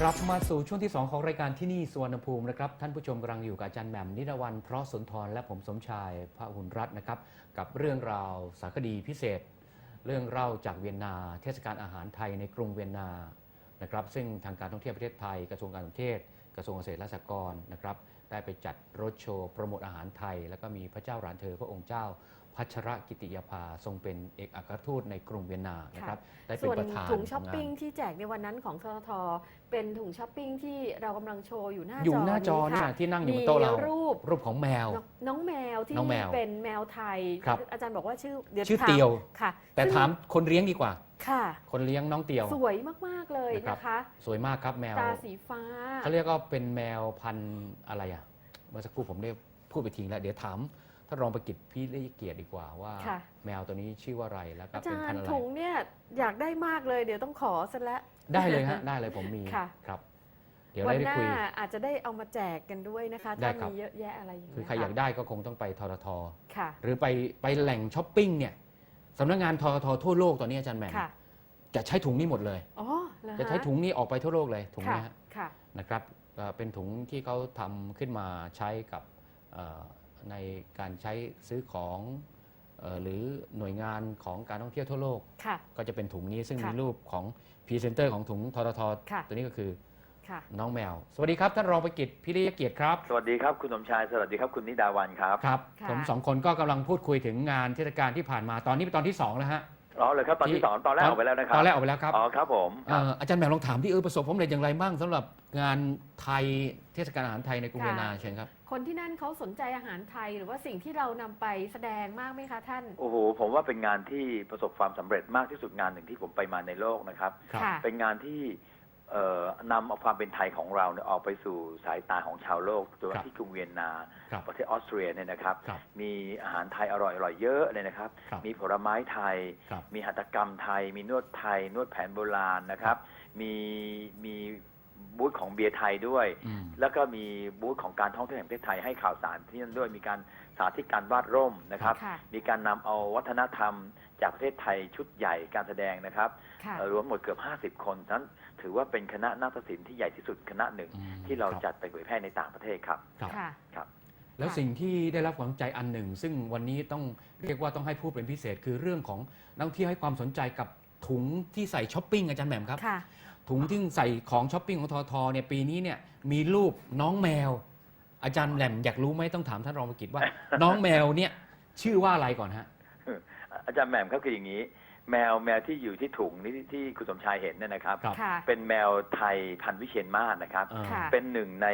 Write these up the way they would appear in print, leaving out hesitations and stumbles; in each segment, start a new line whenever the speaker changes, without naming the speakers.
กลับมาสู่ช่วงที่ 2 ของรายการที่นี่สุวรรณภูมินะครับท่านผู้ชมกำลังอยู่กับอาจารย์แหม่มนิรวรรณเพราะสุนทรและผมสมชายพหุลรัตน์นะครับกับเรื่องราวสารคดีพิเศษ เรื่องเล่าจากเวียนนาเทศกาลอาหารไทยในกรุงเวียนนานะครับซึ่งทางการท่องเที่ยวประเทศไทยกระทรวงการท่องเที่ยวกระทรวงเกษตรและสหกรณ์นะครับได้ไปจัดรถโชว์โปรโมทอาหารไทยแล้วก็มีพระเจ้าหลานเธอพระองค์เจ้าพัชรกิติยาภาทรงเป็นเอกอัครทูตในกรุงเวียนนานะครับได้เป็นประธาน
ส่วนถุงช้อปปิ้งที่แจกในวันนั้นของททท.เป็นถุงช้อปปิ้งที่เรากำลังโชว์อยู่หน้าจอ
เนี่ยที่นั่งอยู่บนโต๊ะเรารูปของแมว
น้องแมวที่เป็นแมวไทยอาจารย์บอกว่าชื่อ
เตียว
ค่ะ
แต่ถามคนเลี้ยงดีกว่า
ค่ะ
คนเลี้ยงน้องเตียว
สวยมากๆเลยนะคะ
สวยมากครับแมว
ตาสีฟ้า
เขาเรียกว่าเป็นแมวพันธุ์อะไรอ่ะเมื่อสักครู่ผมได้พูดไปทิ้งแล้วเดี๋ยวถามถ้ารองประกิตพี่ได้เกียรติดีกว่าว่าแมวตัวนี้ชื่อว่าอะไรแล้วก็เป็นพันธุ์อะไร
ถุงเนี่ยอยากได้มากเลยเดี๋ยวต้องขอซะแล้ว
ได้เลยฮะได้เลยผมมีครับเดี๋ยวได้คุย
อาจจะได้เอามาแจกกันด้วยนะคะถ้ามีเยอะแยะอะไรอย่างเงี้ย
คือใครอยากได้ก็คงต้องไปททท.
ค่ะ
หรือไปแหล่งช้อปปิ้งเนี่ยสำนักงานททท.ทั่วโลกตอนนี้อาจารย์แหม่มจะใช้ถุงนี้หมดเลยจะใช้ถุงนี้ออกไปทั่วโลกเลยถุงนี้นะครับเป็นถุงที่เขาทำขึ้นมาใช้กับในการใช้ซื้อของหรือหน่วยงานของการท่องเที่ยวทั่วโลกก็จะเป็นถุงนี้ซึ่งมีรูปของพรีเซนเตอร์ของถุงททท.ตัวนี้ก็คือน้องแมวสวัสดีครับท่านรองประกิตพิริยเกียรติครับ
สวัสดีครับคุณสมชายสวัสดีครับคุณนิดาวันครับ
ครับผมสองคนก็กำลังพูดคุยถึงงานเทศกาลที่ผ่านมาตอนนี้เป็นตอนที่2แล้วฮะ
อ๋อเลยครับตอนที่2ตอนแรกออกไปแล้วนะครับ
ตอนแรกออกไปแล้วครับ
อ๋อครับผม
อาจารย์แหม่มลองถามที่ประสบความสำเร็จอย่างไรบ้างสำหรับงานไทยเทศกาลอาหารไทยในกรุงเวียนนาเชิญครับ
คนที่นั่นเขาสนใจอาหารไทยหรือว่าสิ่งที่เรานำไปแสดงมากไหมคะท่าน
โอ้โหผมว่าเป็นงานที่ประสบความสำเร็จมากที่สุดงานหนึ่งที่ผมไปมาในโลกนะครับเป็นงานที่นำเอาความเป็นไทยของเราเนี่ยออกไปสู่สายตาของชาวโลกโดยเฉพาะที่กรุงเวียนนาประเทศออสเตรียเนี่ยนะครับมีอาหารไทยอร่อยๆเยอะเลยนะครับมีผลไม้ไทยมีหัตถกรรมไทยมีนวดไทยนวดแผนโบราณนะครับมีบูธของเบียร์ไทยด้วยแล้วก็มีบูธของการท่องเที่ยวแห่งประเทศไทยให้ข่าวสารที่นั่นด้วยมีการสาธิตการวาดร่มนะครับมีการนำเอาวัฒนธรรมจากประเทศไทยชุดใหญ่การแสดงนะครับรวมหมดเกือบ50 คนนั้นถือว่าเป็นคณะนาฏศิลป์ที่ใหญ่ที่สุดคณะหนึ่งที่เราจัดไปเผยแพร่ในต่างประเทศครับ
ครับแล้วสิ่งที่ได้รับความสนใจอันหนึ่งซึ่งวันนี้ต้องเรียกว่าต้องให้พูดเป็นพิเศษคือเรื่องของนักท่องเที่ยวให้ความสนใจกับถุงที่ใส่ช้อปปิ้งอาจารย์แหม่มครับถุงที่ใส่ของช้อปปิ้งของททเนี่ยปีนี้เนี่ยมีรูปน้องแมวอาจารย์แหม่มอยากรู้ไหมต้องถามท่านรองประกิตว่าน้องแมวเนี่ยชื่อว่าอะไรก่อนฮะ
อาจารย์แหม่มก็คืออย่างนี้แมวที่อยู่ที่ถุงนี่ที่คุณสมชายเห็นเนี่ยนะครับเป็นแมวไทยพันธุ์วิเชียรมาศนะครับเป็นหนึ่งใน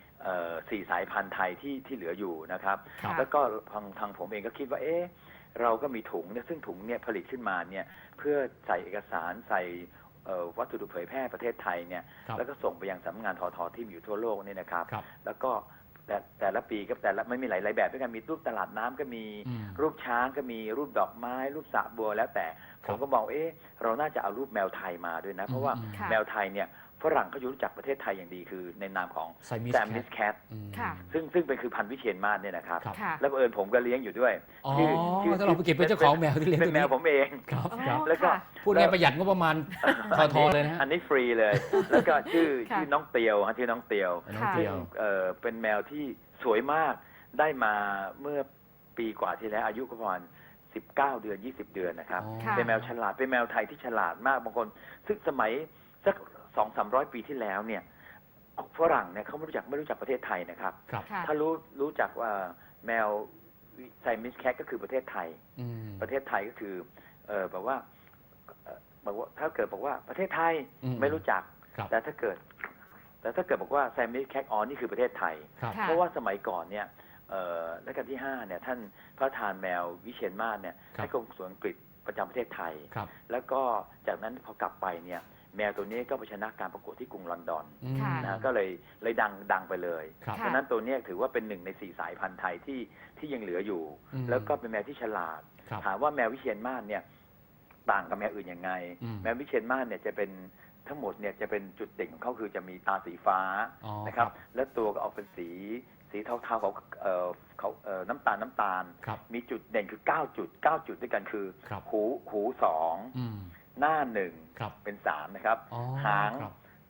4 สายพันธุ์ไทยที่เหลืออยู่นะครับแล้วก็ทางผมเองก็คิดว่าเราก็มีถุงเนี่ยซึ่งถุงเนี่ยผลิตขึ้นมาเนี่ยเพื่อใส่เอกสารใส่วัตถุดิบเผยแพร่ประเทศไทยเนี่ยแล้วก็ส่งไปยังสำนักงานททที่อยู่ทั่วโลกนี่นะครับแล้วก็แต่ละปีก็แต่ละไม่มีหลายแบบด้วยกันมีรูปตลาดน้ำก็มีรูปช้างก็มีรูปดอกไม้รูปสระบัวแล้วแต่ผมก็มองเราน่าจะเอารูปแมวไทยมาด้วยนะเพราะว่าแมวไทยเนี่ยฝรั่งเขารู้จักประเทศไทยอย่างดีคือในนามของแซมมิสแคทซึ่งเป็นคือพันธุ์วิเชียรมาศเนี่ยนะครับแล้วบังเอิญผมก็เลี้ยงอยู่ด้วย
ชื่อท่านรองประกิตเป็นเจ้าของแมวที่เลี้ยง
เป็นแมวผมเอง
แล้วก็พูดง่ายประหยัดงบประมาณทอเลยนะ
อันนี้ฟรีเลยแล้วก็ชื่อน้องเตียวชื่อน้องเตียวเป็นแมวที่สวยมากได้มาเมื่อปีกว่าที่แล้วอายุก็ประมาณ19 เดือน20 เดือนนะครับเป็นแมวฉลาดเป็นแมวไทยที่ฉลาดมากบางคนซึ่งสมัยสัก200-300 ปีที่แล้วเนี่ยฝรั่งเนี่ยเขาไม่รู้จักประเทศไทยนะครับถ้ารู้จักว่าแมวไซมิสแคทก็คือประเทศไทยประเทศไทยก็คือแบบว่าถ้าเกิดบอกว่าประเทศไทยไม่รู้จักแต่ถ้าเกิดบอกว่าไซมิสแคทนี่คือประเทศไทยเพราะว่าสมัยก่อนเนี่ยรัชกาลที่5เนี่ยท่านพระทานแมววิเชียรมาศเนี่ยให้กรมสวนอังกฤษประจำประเทศไทยแล้วก็จากนั้นพอกลับไปเนี่ยแมวตัวนี้ก็ไปชนะการประกวดที่กรุงลอนดอนนะก็เลยดังไปเลยเพราะนั้นตัวนี้ถือว่าเป็น1 ใน 4 สายพันธุ์ไทยที่ยังเหลืออยู่แล้วก็เป็นแมวที่ฉลาดถามว่าแมววิเชียรมาศเนี่ยต่างกับแมวอื่นยังไงแมววิเชียรมาศเนี่ยจะเป็นทั้งหมดเนี่ยจะเป็นจุดเด่นของเขาคือจะมีตาสีฟ้านะครับและตัวก็ออกเป็นสีเทาๆเขาน้ำตาลมีจุดเด่นคือ9 จุดด้วยกันคือหู2หน้า1เป็น3นะครับหาง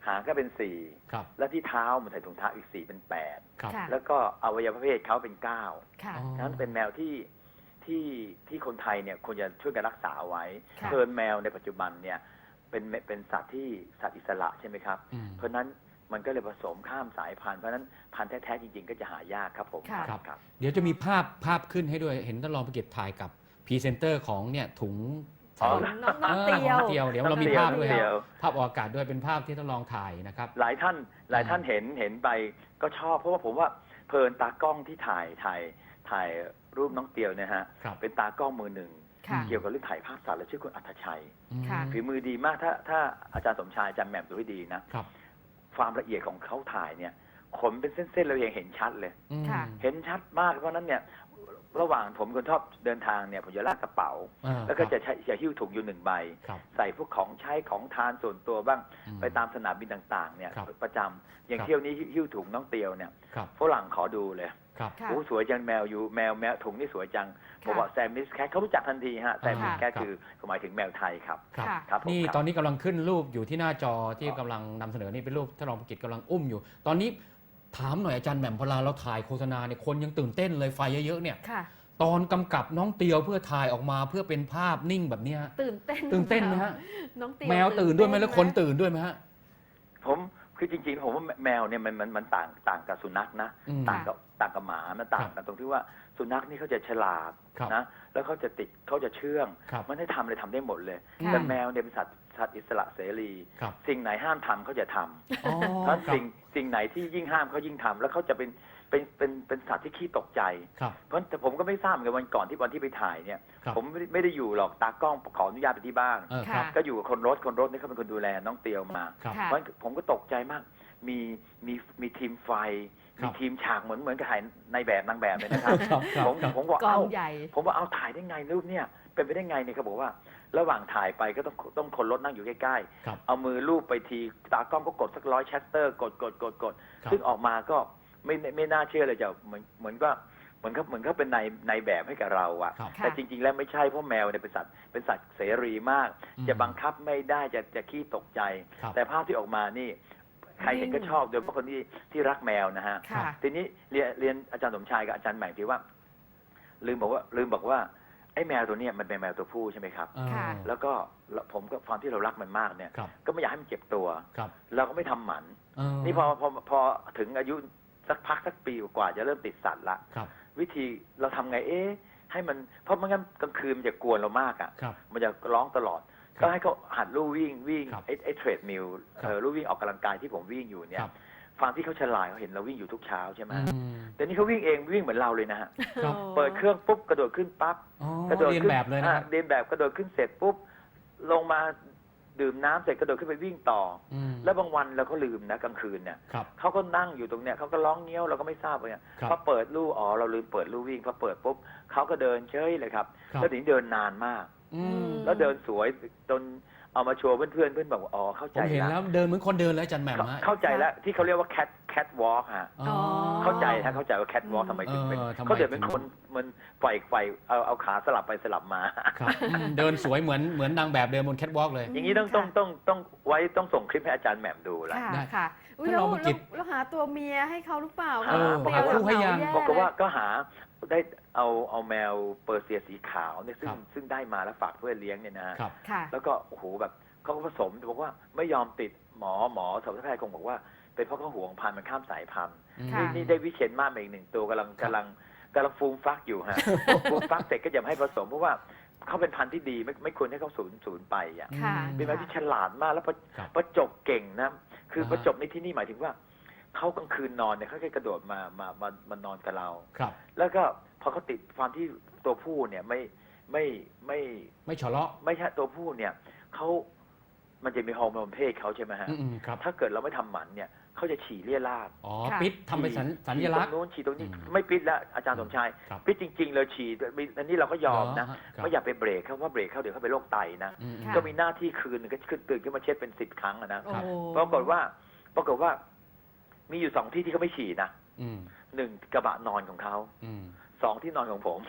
หางก็เป็น
ครับ
4 แล้วที่เท้ามันใส่ถุงเท้าอีก4เป็น
ครับ
ค่ะ
8 แล้วก็อวัยวะเพศเขาเป็น9
ค่ะ
อ๋อ
ฉะนั้นเป็นแมวที่คนไทยเนี่ยควรจะช่วยกันรักษาเอาไว้
ค่ะ
เพินแมวในปัจจุบันเนี่ยเป็นสัตว์ที่สัตว์อิสระใช่ไหมครับ
อืม
เพราะฉะนั้นมันก็เลยผสมข้ามสายพันธุ์เพราะฉะนั้นพันธุ์แท้ๆจริงๆก็จะหายากครับผม
ค่ะ
ครับ
เดี๋ยวจะมีภาพขึ้นให้ด้วยเห็นท่านรองประกิตถ่ายกับพรีเซนเตอร์ของเนี่ยถุง
อ๋อ
น้องเตียว
ของเตียวเดี๋ยวเรามีภาพด้วย
เตี
ค
ย
รับ
ว
ภาพออกอากาศด้วยเป็นภาพที่ท่านรองถ่ายนะครับ
หลายท่านเห็นไปก็ชอบเพราะว่าผมว่าเพลินตากล้องที่ถ่ายรูปน้องเตียวเนี่ยฮะ
ครับ
เป็นตากล้องมือหนึ่ง
ค่ะ
เกี่ยวกับเรื่องถ่ายภาพสัตว์และชื่อคุณอัธชัย
ค่ะ
ฝีมือดีมากถ้าอาจารย์สมชายอาจารย์แหม่มดูให้ดีนะครับ ความละเอียดของเขาถ่ายเนี่ยขนเป็นเส้นๆเรายังเห็นชัดเลย
อืม
ค่ะ
เห็นชัดมากเพราะฉะนั้นเนี่ยระหว่างผมคนชอบเดินทางเนี่ยผมจะลากกระเป๋า
อ่า
แล้วก็
ครับ
จะหิ้วถุงอยู่1 ใบ
ครับ
ใส่พวกของใช้ของทานส่วนตัวบ้าง
อื
ไปตามสนามบินต่างๆเนี่ย
ครับ
ประจำอย่าง
ครับ
เที่ยวนี้หิ้วถุงน้องเตียวเนี่ย
ครับ
ฝรั่งขอดูเลย
ครับ
ค่ะ
โอ้สวยจังแมวอยู่แมวถุงนี่สวยจังผมบอกแซมมิสแคทเขารู้จักทันทีฮะแซมมิสแคท
ครับ
คือหมายถึงแมวไทยครับ
ครับ
ค่ะ
ครับผม
นี่
ครับ
ตอนนี้กำลังขึ้นรูปอยู่ที่หน้าจอที่กำลังนำเสนอนี่เป็นรูปท่านรองประกิตกำลังอุ้มอยู่ ตอนนี้ถามหน่อยอาจารย์แหม่มพลาเราถ่ายโฆษณาเนี่ยคนยังตื่นเต้นเลยไฟเยอะๆเนี่ย
ค่ะ
ตอนกำกับน้องเตียวเพื่อถ่ายออกมาเพื่อเป็นภาพนิ่งแบบเนี้ย
ตื่นเต้น
ตื่นเต้นไหมฮะ
น้องเตียว
แมวตื่นด้วยไหมแล้วคนตื่นด้วยไหมฮะ
ผมคือจริงๆผมว่าแมวเนี่ยมันต่างกับสุนัขนะ
อืม
ต่างกับหมามันต่างกันตรงที่ว่าสุนัขนี่เขาจะฉลาด
ครับ
นะแล้วเขาจะติดเขาจะเชื่อง
ครับ
มันให้ทำอะไรทำได้หมดเลย
ค่ะ
แต่แมวเนี่ยเป็นสัตว์อิสระเสรี
ครับ
สิ่งไหนห้ามทำเขาจะทำ
อ๋อ
เพราะ
ครับ
สิ่งไหนที่ยิ่งห้ามเขายิ่งทำแล้วเขาจะเป็นสัตว์ที่ขี้ตกใจ
ครับ
เพราะแต่ผมก็ไม่ทราบเหมือนกันวันที่ไปถ่ายเนี่ย
ครับ
ผมไม่ได้อยู่หรอกตากล้องขออนุญาตไปที่บ้าน
ครับ
ก็อยู่กับคนรถนี่เขาเป็นคนดูแลน้องเตียวมา
ครับ
ค่ะ
เพราะผมก็ตกใจมาก มีทีมไฟ
ครั
มี
บ
ทีมฉากเหมือนกับถ่ายในแบบนางแบบเลยนะครับ
ครับครับ
ผมบอก
กอง
เอ้า
ใหญ่
ผมว่าเอาถ่ายได้ไงรูปเนี่ยเป็นไปได้ไงเนี่ยเขาบอกว่า ระหว่างถ่ายไปก็ต้องคนรถนั่งอยู่ใกล้
ครับ
ๆเอามือลูบไปทีตากล้องก็กดสัก100 ชัตเตอร์กด
ครับ
ซึ่งออกมาก็ไม่น่าเชื่อเลยจะเหมือนเขาเป็นในแบบให้กับเราอะ
ครับ
ค่ะ
แต่จริงๆแล้วไม่ใช่เพราะแมวเนี่ยเป็นสัตว์เสรีมาก
อืม
จะบังคับไม่ได้จะขี้ตกใจ
ครับ
แต่ภาพที่ออกมานี่ใครเห็นก็ชอบโดยเฉพาะคนที่รักแมวนะฮะ
ค่ะ
ทีนี้เรียนอาจารย์สมชายกับอาจารย์แหม่มที่ว่า ลืมบอกว่าไอ้แมวตัวเนี้ยมันเป็นแมวตัวผู้ใช่ไหมครับ
ค่ะ
แล้วก็ผมก็ความที่เรารักมันมากเนี่ย
ครับ
ก็ไม่อยากให้มันเจ็บตัว
ครับ
เราก็ไม่ทำหมัน
เ
นี่พอถึงอายุสักปีกว่าจะเริ่มติดสัตว์ละ
ครับ
วิธีเราทำไงให้มันเพราะไม่งั้นกลางคืนมันจะกวนเรามากอ่ะ
ครับ
มันจะร้องตลอด
ครับ
ก็ให้เขาหัดลู่วิ่ง
ครับ
ไอ้เทรดมิล
ครับ
ลู่วิ่งออกกำลังกายที่ผมวิ่งอยู่เนี่
ค
ย
รับ
ความที่เขาฉลาดเขาเห็นเราวิ่งอยู่ทุกเช้าใช่ไหม
อืม
แต่นี่เขาวิ่งเองวิ่งเหมือนเราเลยนะฮะ
ครับ
เปิดเครื่องปุ๊บกระโดดขึ้นปั๊บ
อ๋อก
ระโดด
เรียน
ขึ้น
แบบเลยนะครับ
เรียนแบบกระโดดขึ้นเสร็จปุ๊บลงมาดื่มน้ำเสร็จกระโดดขึ้นไปวิ่งต่อ
อืม
แล้วบางวันเราก็ลืมนะกลางคืนเนี่ย
ครับ
เขาก็นั่งอยู่ตรงเนี้ยเขาก็ร้องเงี้ยวเราก็ไม่ทราบเลย
ครับ
พอเปิดลู่เราลืมเปิดลู่วิ่งพอเปิดปุ๊บเขาก็เดินเฉยเลยครับ
ครับ
แล้วถึงเดินนานมาก
อืม
แล้วเดินสวยจนเอามาโชว์เพื่อนบอกว่าอ๋อเข้า
ผ
ใจ
มเห็น
แล้
แล้ว วเดินเหมือนคนเดินแล้วอาจารย์แหม่มฮะ
เข้าใจแล้วที่เขาเรียกว่า cat walk ฮะ
อ๋อ
เข้าใจว่า cat walk ทำไมถึงเป็น
ทำไม
เขาเดินเป็น
ถึง
คนมันไฟเอาขาสลับไปสลับมา
ครับเดินสวยเหมือนนางแบบเดินบนแคทวอล์กเลย
อย่างนี้ต้องส่งคลิปให้อาจารย์แหม่มดูละ
ค่ะ
ได้
ค่ะอุ๊ย
ท่านรองประกิต
แล้วหาตัวเมียให้เขาหรือเปล่า
หา
แมว
หาคู่
ให้ยัง
แย่
บอกว่า
เลย
ก็หาได้เอาแมวเปอร์เซียสีขาวเนี่ย
ครับ
ซึ่งได้มาแล้วฝากเพื่อนเลี้ยงเนี่ยนะฮะ
ครับ
ค่ะ
แล้วก็โอ้โหแบบเขาก็ผสมบอกว่าไม่ยอมติดหมอสัตวแพทย์คงบอกว่าเป็นเพราะเขาห่วงพันธุ์มันข้ามสายพันธุ์
ค่ะ
นี่ได้วิเชียนมาอีกหนึ่งตัวกำลังฟูมฟักอยู่ฮะ ฟูมฟักเสร็จก็อย่าให้ผสมเพราะว่าเขาเป็นพันธุ์ที่ดีไม่ควรให้เขาสูญไปอ่ะ
ค่ะ
เป็นแมวที่ฉลาดมากแล้ว
ครับ
ประจบเก่งนะคือ
อ่าฮะ
ประจบในที่นี่หมายถึงว่าเขากลางคืนนอนเนี่ยเขาแค่กระโดดมานอนกับเรา
ครับ
แล้วก็พอเขาติดความที่ตัวผู้เนี่ยไม่
ไม่ฉะเลาะ
ไม่ใช่ตัวผู้เนี่ยมันจะมีฮอร์โมนเพศเขาใช่ไหมฮะ
อืมครับ
ถ้าเกิดเราไม่ทำหมันเนี่ยเขาจะฉี่เลี่ยราด
อ๋อ
ค่ะ
ปิดทำเป็นสัญลักษณ์
ฉี่ตรงนู้นฉี่ตรงนี้
อืม
ไม่ปิดแล้วอาจารย์สมชาย
ครับ
ปิดจริงๆเลยฉี่อันนี้เราก็ยอมนะ
ครับ
ไม่อยากไปเบรกเขาว่าเบรกเขาเดี๋ยวเขาเป็นโรคไตนะ
อืม
ค่ะ
ก็มีหน้าที่คืนก็ตื่นขึ้นมาเช็ดเป็น10 ครั้งอะนะ
โอ้โห
ปรากฏว่ามีอยู่2 ที่ที่เขาไม่ฉี่นะ
อืม
1 กระบะนอนของเขา
อืม
2 ที่นอนของผม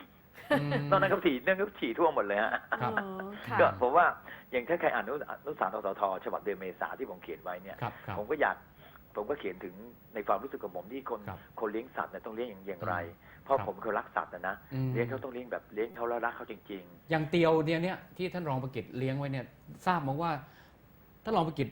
นอกนั้นก็ฉี่ทั่วหมดเลยฮะ
ครับ
อ๋อค่ะ
ก็ผมว่าอย่างถ้าใครอ่านนุสารททฉบับเดือนเมษาที่ผมเขียนไว้เนี่ย
ครับครับ
ผมก็เขียนถึงในความรู้สึกของผมที่คนเลี้ยงสัตว์เนี่ยต้องเลี้ยงอย่างไร เพราะผมเขารักสัตว์นะ เลี้ยงเขาต้องเลี้ยงแบบเลี้ยงเขาแล้วรักเขาจริง
อย่างเตียวเนี่ยที่ท่านรองประกิตเลี้ยงไว้เนี่ยทราบมาว่าท่านรองประกิต